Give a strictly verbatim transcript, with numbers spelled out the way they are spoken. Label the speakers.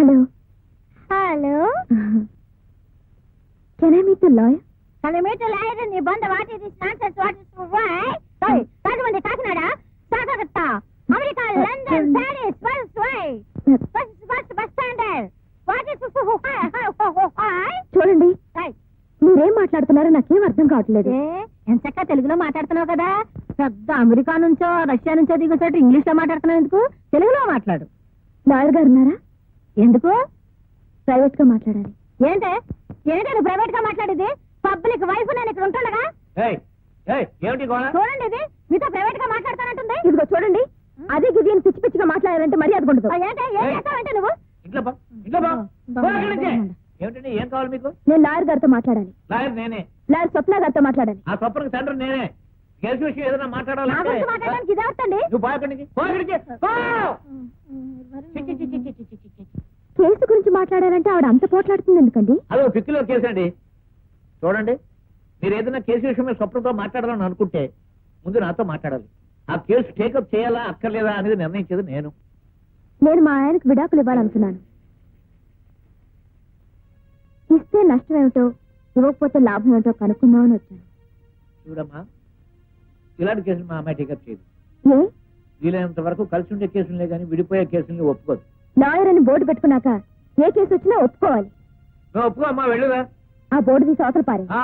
Speaker 1: Hello
Speaker 2: hello
Speaker 1: can I meet the lawyer?
Speaker 2: Can I meet a liar in the bond? What is this nonsense? What is this? Why? Sorry, Rajamandi, Kakinada, Sakarata, America, London, Paris, West, why? West, West, Bus Standard. What is this? Why?
Speaker 1: చూడండి,
Speaker 2: Hey.
Speaker 1: మీరేం మాట్లాడుతున్నారో నాకేం అర్థం కావట్లేదు.
Speaker 2: ఎంచక్క తెలుగులో మాట్లాడుతున్నావు కదా, పెద్ద అమెరికా నుంచో రష్యా నుంచో దిగుసట్టు ఇంగ్లీష్ లో మాట్లాడుతున్నావు ఎందుకు? తెలుగులో మాట్లాడు.
Speaker 1: లాయర్ గారు ఉన్నారా?
Speaker 2: ఎందుకు?
Speaker 1: ప్రైవేట్ గా మాట్లాడాలి.
Speaker 2: ఏంటే ఏంటే నువ్వు ప్రైవేట్ గా మాట్లాడేది? పబ్లిక్ వైఫ్ నేను ఇక్కడ ఉంటుండగా చూడండి, ఇది మీతో ప్రైవేట్ గా మాట్లాడతానంటుంది.
Speaker 1: ఇదిగో చూడండి, అదే గిది అని పిచ్చి పిచ్చిగా మాట్లాడాలంటే మర్యాద ఉండదు.
Speaker 2: ఏంటే ఏం చేస్తావంటే నువ్వు?
Speaker 3: ఏమిటండి, ఏం కావాలి మీకు?
Speaker 1: నేను లాయర్ గారితో మాట్లాడాలి.
Speaker 3: లాయర్ నేనే.
Speaker 1: లాయర్ స్వప్న గారితో మాట్లాడాలి.
Speaker 3: ఆ స్వప్నకి తండ్రి నేనే. కేసు విషయం ఏదైనా
Speaker 2: నా
Speaker 3: మాట్లాడాలంటే
Speaker 2: గురించి మాట్లాడడానికి ఇదే వస్తండి.
Speaker 3: నువ్వు బాగుండి
Speaker 1: కేసు గురించి మాట్లాడాలంటే ఆవిడ అంత పోట్లాడుతుంది ఎందుకండి?
Speaker 3: అదో పిక్కిలో కేసు అండి. చూడండి, మీరు ఏదైనా కేసు విషయం మీద స్వప్నంతో మాట్లాడాలని అనుకుంటే ముందు నాతో మాట్లాడాలి. ఆ కేసు టేకప్ చేయాలా అక్కర్లేదా అనేది నిర్ణయించేది నేను.
Speaker 1: నేను మా ఆయనకు విడాకులు ఇవ్వాలనుకున్నాను. ఇస్తే నష్టం ఏమిటో, ఇవ్వకపోతే లాభం ఏమిటో కనుక్కుందామని వచ్చాను.
Speaker 3: చూడమ్మా, ఇలాంటి కేసులు మా అమ్మాయి టేకప్ చేయదు.
Speaker 1: ఏ?
Speaker 3: వీలైనంత వరకు కలిసి ఉండే కేసులే కానీ విడిపోయే కేసుల్ని ఒప్పుకోదు.
Speaker 1: లాయర్ అని బోర్డు పెట్టుకున్నాక ఏ కేసు వచ్చినా ఒప్పుకోవాలి.
Speaker 3: నువ్వు ఒప్పుకో అమ్మా, వెళ్ళురా.
Speaker 1: ఆ బోర్డు తీసి అవతల పారే.